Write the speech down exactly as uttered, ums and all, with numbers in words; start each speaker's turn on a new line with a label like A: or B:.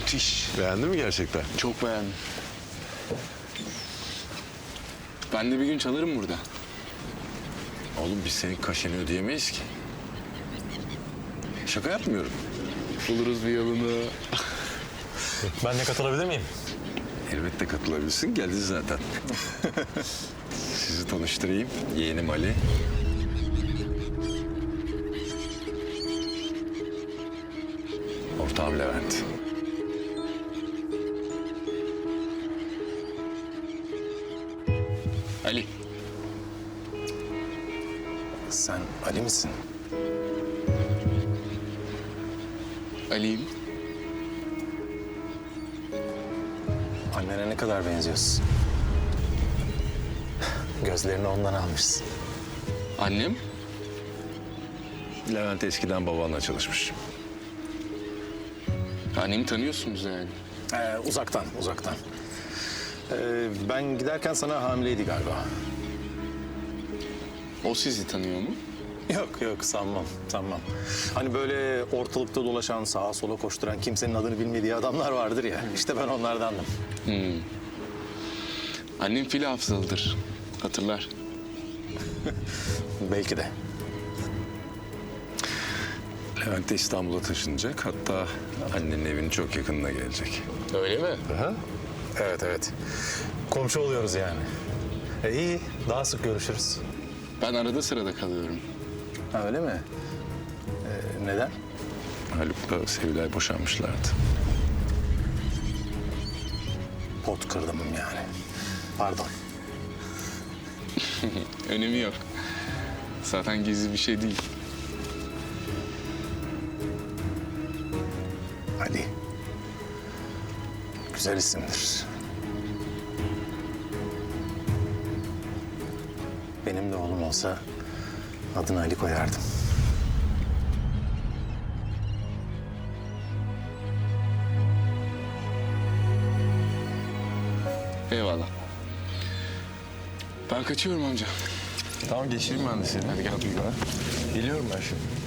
A: Müthiş.
B: Beğendin mi gerçekten?
A: Çok beğendim. Ben de bir gün çalarım burada.
B: Oğlum biz senin kaşeni ödeyemeyiz ki. Şaka yapmıyorum.
A: Buluruz bir yolunu.
C: Ben de katılabilir miyim?
B: Elbette katılabilirsin. Geldin zaten. Sizi tanıştırayım. Yeğenim Ali. Ortağım Levent.
A: Ali.
C: Sen Ali misin?
A: Ali'yim.
C: Annene ne kadar benziyorsun. Gözlerini ondan almışsın.
A: Annem?
B: Levent eskiden babanla çalışmış.
A: Annemi tanıyorsunuz yani.
C: Ee, uzaktan, uzaktan. Ee, ben giderken sana hamileydi galiba.
A: O sizi tanıyor mu?
C: Yok yok sanmam, sanmam. Hani böyle ortalıkta dolaşan, sağa sola koşturan, kimsenin adını bilmediği adamlar vardır ya. İşte ben onlardandım.
A: Hmm. Annem fil hafızalıdır. Hatırlar.
C: Belki de.
B: Levent de İstanbul'a taşınacak. Hatta annenin evinin çok yakınına gelecek.
A: Öyle mi?
C: Aha. Evet evet. Komşu oluyoruz yani. E, iyi, daha sık görüşürüz.
A: Ben arada sırada kalıyorum.
C: Ha, öyle mi? Ee, neden?
B: Haluk'la Sevilay boşanmışlardı.
C: Pot kırdım yani. Pardon.
A: Önemi yok. Zaten gizli bir şey değil.
C: Ali. Güzel isimdir. Benim de oğlum olsa adını Ali koyardım.
A: Eyvallah. Ben kaçıyorum amca.
B: Tamam geçireyim ben de seni.
A: Hadi gel.
B: Geliyorum ben şimdi.